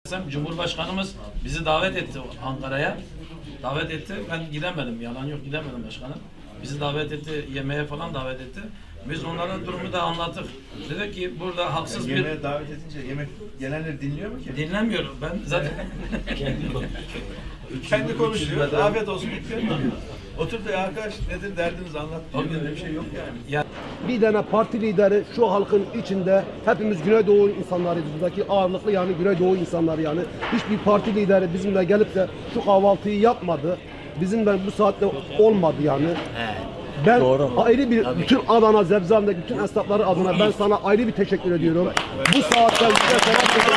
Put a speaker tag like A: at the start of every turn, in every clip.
A: Cumhurbaşkanımız bizi davet etti Ankara'ya. Davet etti. Ben gidemedim. Yalan yok, gidemedim başkanım. Bizi davet etti, yemeğe falan davet etti. Biz onlara durumu da anlattık. Dedi ki burada haksız bir...
B: Yemeğe davet edince yemek gelenleri dinliyor mu ki?
A: Dinlemiyor. Ben zaten...
B: Kendi konuşuyor. Afiyet olsun diyor. Otur da arkadaş nedir derdiniz anlat diyor. Bir şey yok yani.
C: Bir tane parti lideri şu halkın içinde, hepimiz Güneydoğu insanlarıyız, buradaki ağırlıklı yani Güneydoğu insanları yani. Hiçbir parti lideri bizimle gelip de şu kahvaltıyı yapmadı. Bizimle bu saatte olmadı yani. Ben ayrı bir, bütün Adana, Zebzan'daki bütün esnafları adına ben sana ayrı bir teşekkür ediyorum. Bu saatte bize teşekkür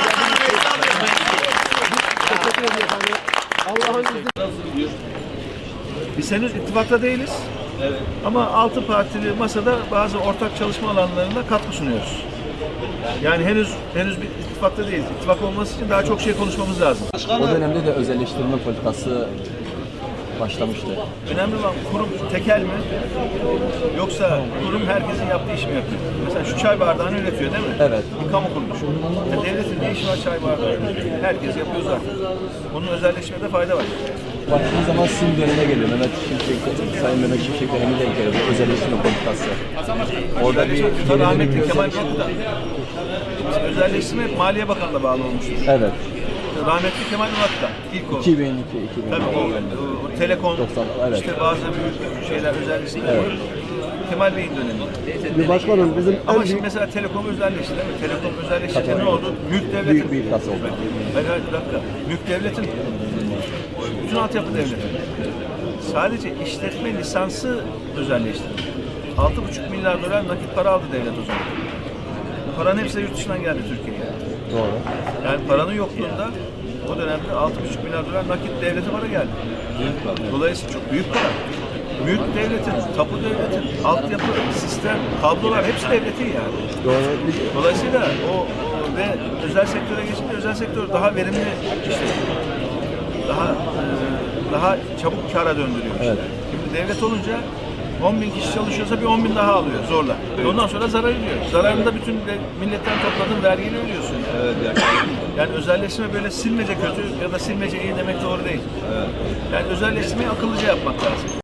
C: ediyorum. Allah'ın izniyle.
B: Biz henüz ittifakta değiliz. Evet. Ama 6 partili masada bazı ortak çalışma alanlarında katkı sunuyoruz. Yani henüz bir ittifakta değiliz. İttifak olması için daha çok şey konuşmamız lazım.
D: O dönemde de özelleştirme politikası başlamıştı.
B: Önemli olan kurum tekel mi? Yoksa kurum herkesin yaptığı iş mi yapıyor? Mesela şu çay bardağını üretiyor değil mi?
D: Evet.
B: Bir kamu kuruluşu. Yani devletin ne işi var çay bardağı? Herkes yapıyor zaten. Bunun özelleşmede fayda var.
D: Baktığın zaman sim döneme geliyor. Sayın Mehmet Şimşek dönemi denk geliyor. Özelleştirme politikası. Orada bir
B: rahmetli Kemal Paşa özelleştirme hep Maliye Bakanı'na bağlı olmuştur.
D: Evet.
B: Rahmetli Kemal Murat'ta ilk o.
D: 2002.
B: Tabii o Telekom,
D: 90, evet.
B: işte bazı büyük şeyler özelleştirme. Evet. Kemal Bey'in dönemi.
C: Bir başkanım bizim
B: Ama şimdi mesela Telekom özelleşti değil mi? Telekom özelleşince ne oldu? Mülk devletin.
D: Büyük bir iflas oldu.
B: Hayır bir dakika. Mülk devletin. Bütün altyapı devletin. Sadece işletme lisansı özelleştirildi. 6,5 milyar dolar nakit para aldı devlet o zaman. Bu paranın hepsi yurt dışından geldi Türkiye'ye.
D: Doğru.
B: Yani paranın yokluğunda o dönemde 6,5 milyar dolar nakit devlete para geldi. Dolayısıyla çok büyük para. Mülk devletin, tapu devletin, altyapı, sistem, kablolar hepsi devletin yani.
D: Doğru.
B: Dolayısıyla o ve özel sektöre geçince özel sektör daha verimli işletiyor. Daha çabuk kâra döndürüyor işte.
D: Evet.
B: Şimdi devlet olunca 10.000 kişi çalışıyorsa bir 10.000 daha alıyor zorla. Evet. Ondan sonra zarar ediyor. Zararında bütün milletten topladığın vergiyi ödüyorsun. Evet. Yani özelleştirme böyle silmece kötü ya da silmece iyi demek doğru değil. Evet. Yani özelleştirmeyi akıllıca yapmak lazım.